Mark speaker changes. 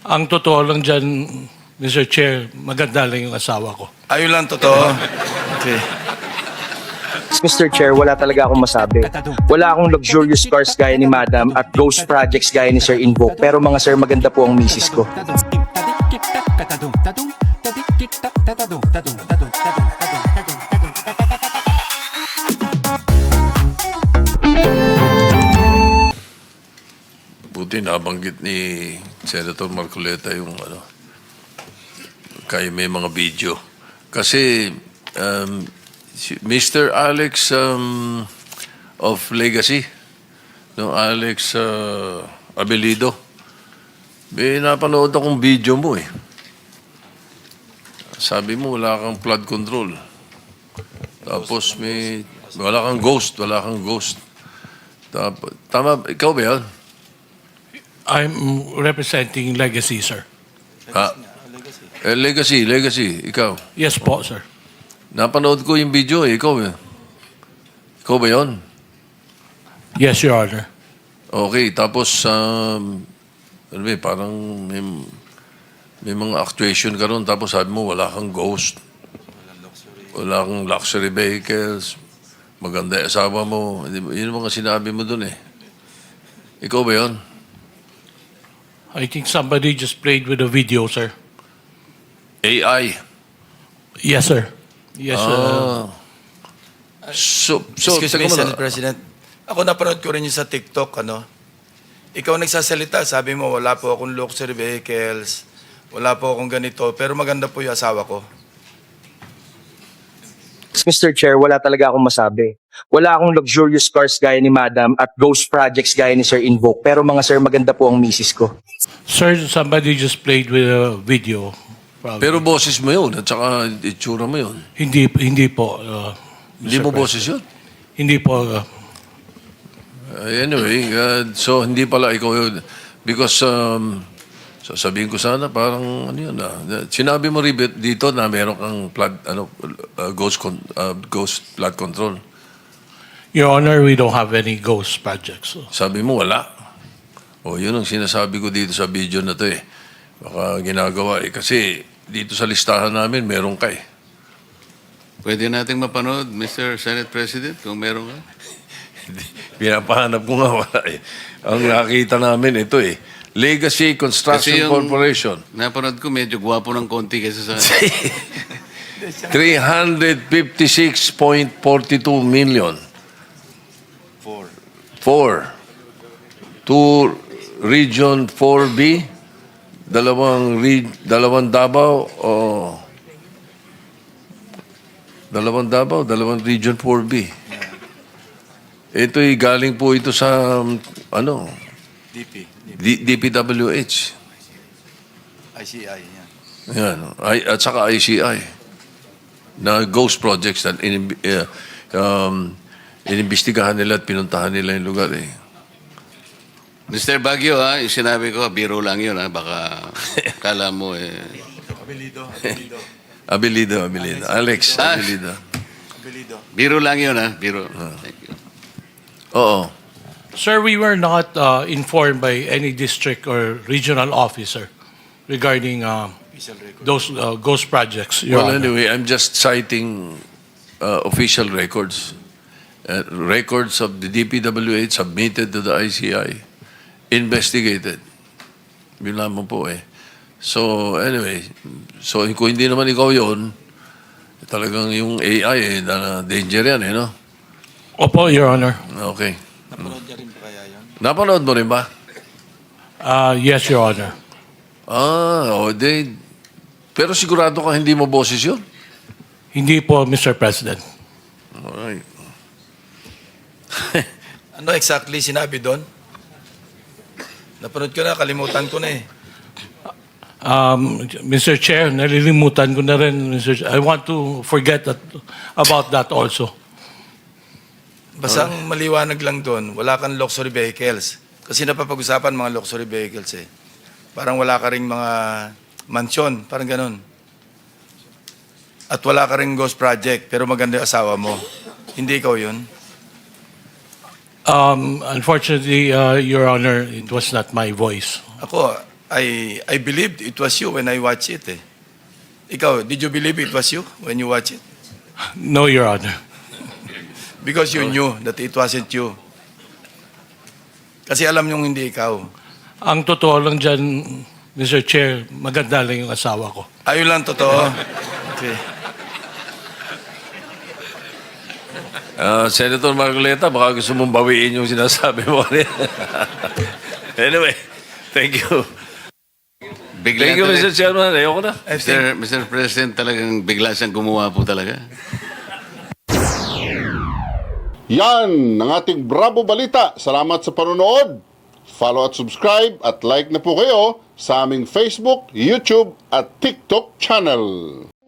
Speaker 1: Ang totoo lang dyan, Mr. Chair, maganda lang yung asawa ko.
Speaker 2: Ayun lang totoo. Okay.
Speaker 3: Mr. Chair, wala talaga akong masabi. Wala akong luxurious cars gaya ni Madam at ghost projects gaya ni Sir Invoke. Pero mga sir, maganda po ang misis ko.
Speaker 4: Buti nabanggit ni Senator Marcoleta yung kaya may mga video. Kasi Mr. Alex of Legacy, no, Alex Abelido, may napanood akong video mo eh. Sabi mo wala kang flood control. Tapos wala kang ghost. Tama, ikaw ba yan?
Speaker 1: I'm representing Legacy, sir.
Speaker 4: Legacy, ikaw.
Speaker 1: Yes po, sir.
Speaker 4: Napanood ko yung video eh, ikaw eh. Ikaw ba yun?
Speaker 1: Yes, Your Honor.
Speaker 4: Okay, tapos, parang may mga actuation ka ron, tapos sabi mo wala kang ghost. Wala kang luxury vehicles. Maganda yung asawa mo. Yun ang mga sinabi mo dun eh. Ikaw ba yun?
Speaker 1: I think somebody just played with the video, sir.
Speaker 4: AI.
Speaker 1: Yes, sir. Yes, sir.
Speaker 4: So,
Speaker 2: Excuse me,
Speaker 4: teka muna.
Speaker 2: Senate President. Ako napanood ko rin yung sa TikTok, Ikaw nagsasalita, sabi mo, wala po akong luxury vehicles, wala po akong ganito, pero maganda po yung asawa ko.
Speaker 3: Mr. Chair, wala talaga akong masabi. Wala akong luxurious cars gaya ni Madam at ghost projects gaya ni Sir Invoke. Pero mga sir, maganda po ang misis ko.
Speaker 1: Sir, somebody just played with a video. Probably.
Speaker 4: Pero boses mo yun, at saka itsura mo yun.
Speaker 1: Hindi po.
Speaker 4: Hindi
Speaker 1: Mr.
Speaker 4: mo
Speaker 1: President.
Speaker 4: boses yun?
Speaker 1: Hindi po.
Speaker 4: Anyway, so hindi pala ikaw yun. Because, sasabihin ko sana, parang ano yun sinabi mo rin dito na meron kang flood, ghost flood control.
Speaker 1: Your Honor, we don't have any ghost projects.
Speaker 4: Sabi mo wala. O yun ang sinasabi ko dito sa video na to eh. Baka ginagawa eh. Kasi dito sa listahan namin, meron ka eh.
Speaker 5: Pwede nating mapanood, Mr. Senate President, kung meron ka?
Speaker 4: Pinapahanap ko nga wala eh. Ang nakita namin ito eh. Legacy Construction
Speaker 5: Kasi yung
Speaker 4: Corporation.
Speaker 5: napanood ko, medyo gwapo ng konti kaysa sa...
Speaker 4: 356.42 million. Four. Two Region 4B, dalawang Davao, dalawang Region 4B. Ito'y galing po ito sa, DPWH.
Speaker 2: ICI, yan.
Speaker 4: Yan. At saka ICI. Na ghost projects na inimbestigahan nila at pinuntahan nila yung lugar eh.
Speaker 5: Mr. Baguio, yung sinabi ko, biro lang yun, baka kala mo
Speaker 4: Abelido. Alex Abelido.
Speaker 5: Biro lang yun, biro. Thank you.
Speaker 4: Oo.
Speaker 1: Sir, we were not informed by any district or regional officer regarding those ghost projects, Your
Speaker 4: Well,
Speaker 1: Honor.
Speaker 4: anyway, I'm just citing official records. Records of the DPWH submitted to the ICI. Investigated. Yun lamang po eh. So, anyway. So, kung hindi naman ikaw yun, talagang yung AI eh, danger yan eh, no?
Speaker 1: Opo, Your Honor.
Speaker 4: Okay.
Speaker 2: Napanood niya rin ba kaya yun?
Speaker 4: Napanood mo rin ba?
Speaker 1: Yes, Your Honor.
Speaker 4: Pero sigurado ka hindi mo boses yun?
Speaker 1: Hindi po, Mr. President.
Speaker 4: Alright.
Speaker 2: Ano exactly sinabi doon? Napanood ko na, kalimutan ko na eh.
Speaker 1: Mr. Chair, nalilimutan ko na rin, Mr. Chair. I want to forget about that also.
Speaker 2: Basta ang maliwanag lang doon, wala kang luxury vehicles. Kasi napapag-usapan mga luxury vehicles eh. Parang wala ka ring mga mansyon, parang ganun. At wala ka ring ghost project, pero maganda yung asawa mo. Hindi ikaw yun.
Speaker 1: Unfortunately, Your Honor, it was not my voice.
Speaker 2: Ako, I believed it was you when I watched it eh. Ikaw, did you believe it was you when you watched it?
Speaker 1: No, Your Honor.
Speaker 2: Because you knew that it wasn't you. Kasi alam niyong hindi ikaw.
Speaker 1: Ang totoo lang dyan, Mr. Chair, maganda lang yung asawa ko.
Speaker 2: Ayun lang totoo. Okay.
Speaker 4: Senator Marcoleta, baka gusto mong bawiin yung sinasabi mo. Anyway, thank you.
Speaker 5: Bigla
Speaker 4: Thank you,
Speaker 5: talaga-
Speaker 4: Mr. Chairman. Ayoko na.
Speaker 5: Mr. President, talagang bigla siyang gumawa po talaga.
Speaker 6: Yan ang ating Bravo Balita. Salamat sa panonood. Follow at subscribe at like na po kayo sa aming Facebook, YouTube at TikTok channel.